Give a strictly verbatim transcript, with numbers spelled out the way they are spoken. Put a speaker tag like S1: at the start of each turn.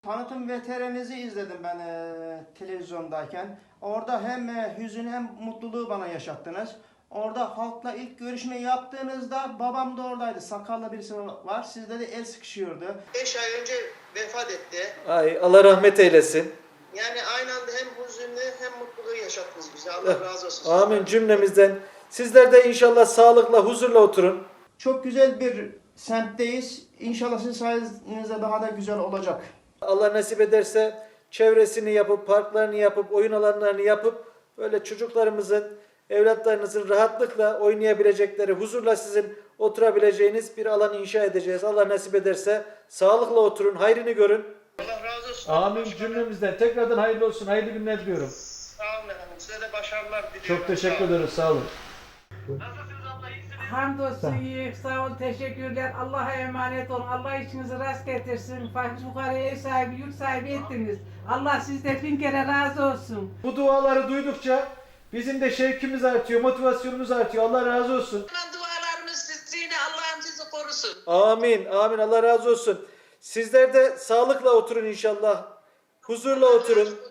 S1: Tanıtım V T R'nizi izledim ben e, televizyondayken. Orada hem e, hüzün hem mutluluğu bana yaşattınız. Orada halkla ilk görüşme yaptığınızda babam da oradaydı. Sakallı birisi var. Sizde de el sıkışıyordu. beş ay önce vefat etti.
S2: Ay Allah rahmet eylesin.
S1: Yani aynı anda hem hüzünlü hem mutluluğu yaşattınız bize. Allah razı olsun.
S2: Amin cümlemizden. Sizler de inşallah sağlıkla, huzurla oturun.
S1: Çok güzel bir semtteyiz. İnşallah sizin sayenizde daha da güzel olacak.
S2: Allah nasip ederse çevresini yapıp, parklarını yapıp, oyun alanlarını yapıp böyle çocuklarımızın, evlatlarınızın rahatlıkla oynayabilecekleri, huzurla sizin oturabileceğiniz bir alan inşa edeceğiz. Allah nasip ederse sağlıkla oturun, hayrını görün.
S1: Allah razı olsun.
S2: Amin
S1: Başkanım.
S2: cümlemizden. Tekrardan hayırlı olsun, hayırlı günler diliyorum.
S1: Sağ olun efendim. Size de başarılar diliyorum.
S2: Çok teşekkür
S1: Sağ olun.
S2: ederiz, sağ olun.
S1: Nasılsınız abla? İyisiniz?
S3: Hamdolsun iyi, sağ ol, teşekkürler. Allah'a emanet olun. Allah işinizi rast getirsin. Fakir fukaraya ev sahibi, yurt sahibi ettiniz. Allah sizden bin kere razı olsun.
S2: Bu duaları duydukça bizim de şevkimiz artıyor, motivasyonumuz artıyor. Allah razı olsun.
S4: Dualarımız sizinle, Allah'ım sizi korusun.
S2: Amin, amin. Allah razı olsun. Sizler de sağlıkla oturun inşallah. Huzurla oturun.